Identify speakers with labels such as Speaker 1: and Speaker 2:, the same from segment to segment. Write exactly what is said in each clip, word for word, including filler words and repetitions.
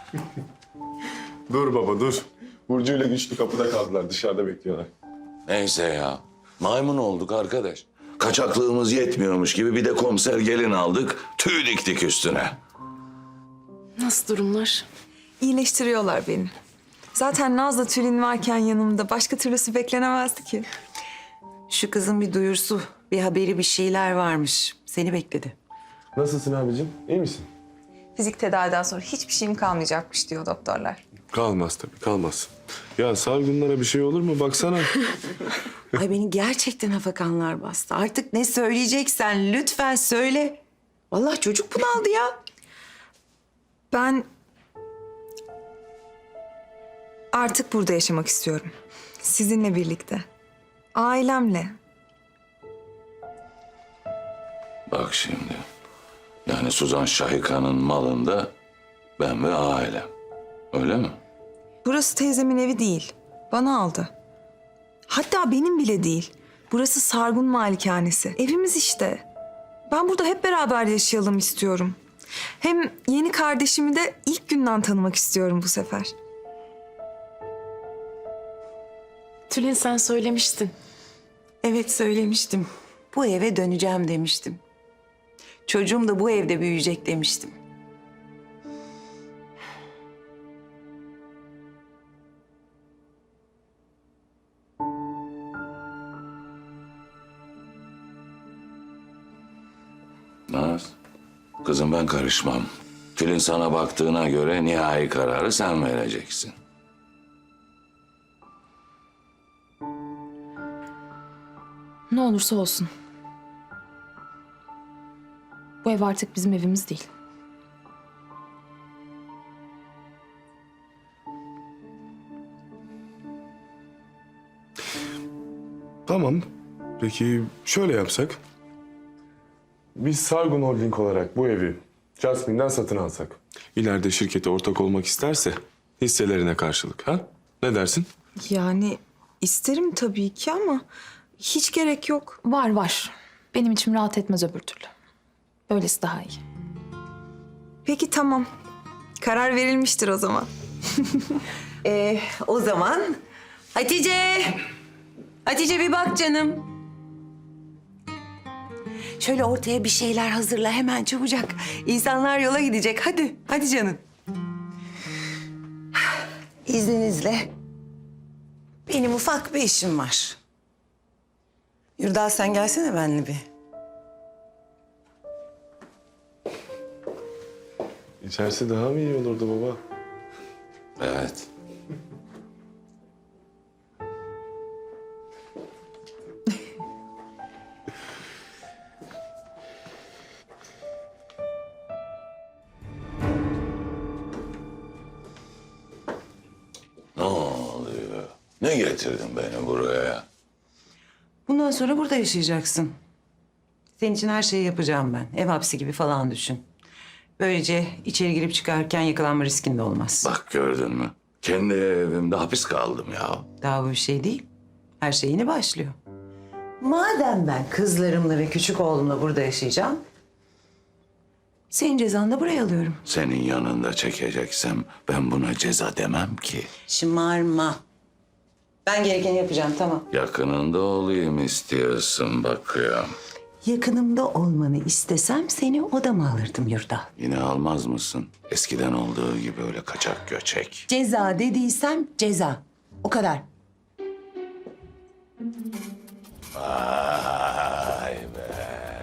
Speaker 1: Dur baba dur. Burcu ile Güçlü kapıda kaldılar. Dışarıda bekliyorlar.
Speaker 2: Neyse ya. Maymun olduk arkadaş. Kaçaklığımız yetmiyormuş gibi bir de komiser gelin aldık. Tüy diktik üstüne.
Speaker 3: Nasıl durumlar?
Speaker 4: İyileştiriyorlar beni. Zaten Naz'la Tülin varken yanımda başka türlüsü beklenemezdi ki.
Speaker 5: Şu kızın bir duyursu, bir haberi, bir şeyler varmış. Seni bekledi.
Speaker 1: Nasılsın abicim? İyi misin?
Speaker 4: Fizik tedaviden sonra hiçbir şeyim kalmayacakmış diyor doktorlar.
Speaker 1: Kalmaz tabii kalmaz. Ya Sargunlara bir şey olur mu? Baksana.
Speaker 5: Ay beni gerçekten hafakanlar bastı. Artık ne söyleyeceksen lütfen söyle. Vallahi çocuk bunaldı ya.
Speaker 4: Ben artık burada yaşamak istiyorum. Sizinle birlikte. Ailemle.
Speaker 2: Bak şimdi. Yani Suzan Şahika'nın malında ben ve ailem. Öyle mi?
Speaker 4: Burası teyzemin evi değil. Bana aldı. Hatta benim bile değil. Burası Sargun Malikanesi. Evimiz işte. Ben burada hep beraber yaşayalım istiyorum. Hem yeni kardeşimi de ilk günden tanımak istiyorum bu sefer.
Speaker 3: Tülin sen söylemiştin.
Speaker 5: Evet söylemiştim. Bu eve döneceğim demiştim. Çocuğum da bu evde büyüyecek demiştim.
Speaker 2: Naz, kızım ben karışmam. Tülin sana baktığına göre nihai kararı sen vereceksin.
Speaker 3: Ne olursa olsun. Bu ev artık bizim evimiz değil.
Speaker 1: Tamam. Peki şöyle yapsak. Biz Sargun Holding olarak bu evi Jasmine'den satın alsak. İleride şirkete ortak olmak isterse hisselerine karşılık ha? Ne dersin?
Speaker 4: Yani isterim tabii ki ama hiç gerek yok.
Speaker 3: Var var. Benim içim rahat etmez öbür türlü. Böylesi daha iyi.
Speaker 4: Peki tamam. Karar verilmiştir o zaman.
Speaker 5: Ee, o zaman Hatice. Hatice bir bak canım. Şöyle ortaya bir şeyler hazırla hemen çabucak. İnsanlar yola gidecek. Hadi, hadi canım. İzninizle. Benim ufak bir işim var. Yurdal sen gelsene benimle bir.
Speaker 1: İçerisi daha mı iyi olurdu baba?
Speaker 2: Evet. Ne oluyor? Ne getirdin beni buraya?
Speaker 5: Bundan sonra burada yaşayacaksın. Senin için her şeyi yapacağım ben. Ev hapsi gibi falan düşün. Böylece içeri girip çıkarken yakalanma riskin de olmaz.
Speaker 2: Bak gördün mü? Kendi evimde hapis kaldım ya.
Speaker 5: Daha bu bir şey değil. Her şey yeni başlıyor. Madem ben kızlarımla ve küçük oğlumla burada yaşayacağım... senin cezanı da buraya alıyorum.
Speaker 2: Senin yanında çekeceksem ben buna ceza demem ki.
Speaker 5: Şımarma. Ben gerekeni yapacağım, tamam.
Speaker 2: Yakınında olayım istiyorsun bakıyorum.
Speaker 5: Yakınımda olmanı istesem seni odama alırdım Yurdal.
Speaker 2: Yine almaz mısın? Eskiden olduğu gibi öyle kaçak göçek.
Speaker 5: Ceza dediysem ceza. O kadar.
Speaker 2: Vay be,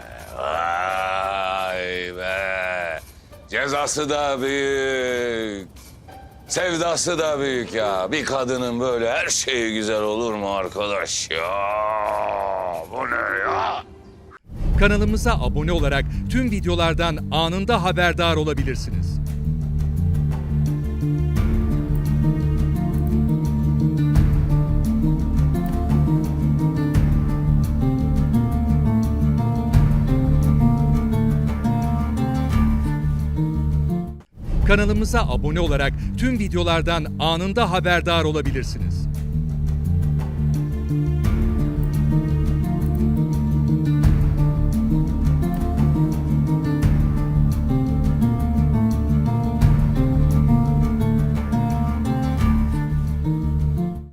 Speaker 2: vay be. Cezası da büyük, sevdası da büyük ya. Bir kadının böyle her şeyi güzel olur mu arkadaş ya? Bu ne ya?
Speaker 6: Kanalımıza abone olarak tüm videolardan anında haberdar olabilirsiniz. Kanalımıza abone olarak tüm videolardan anında haberdar olabilirsiniz.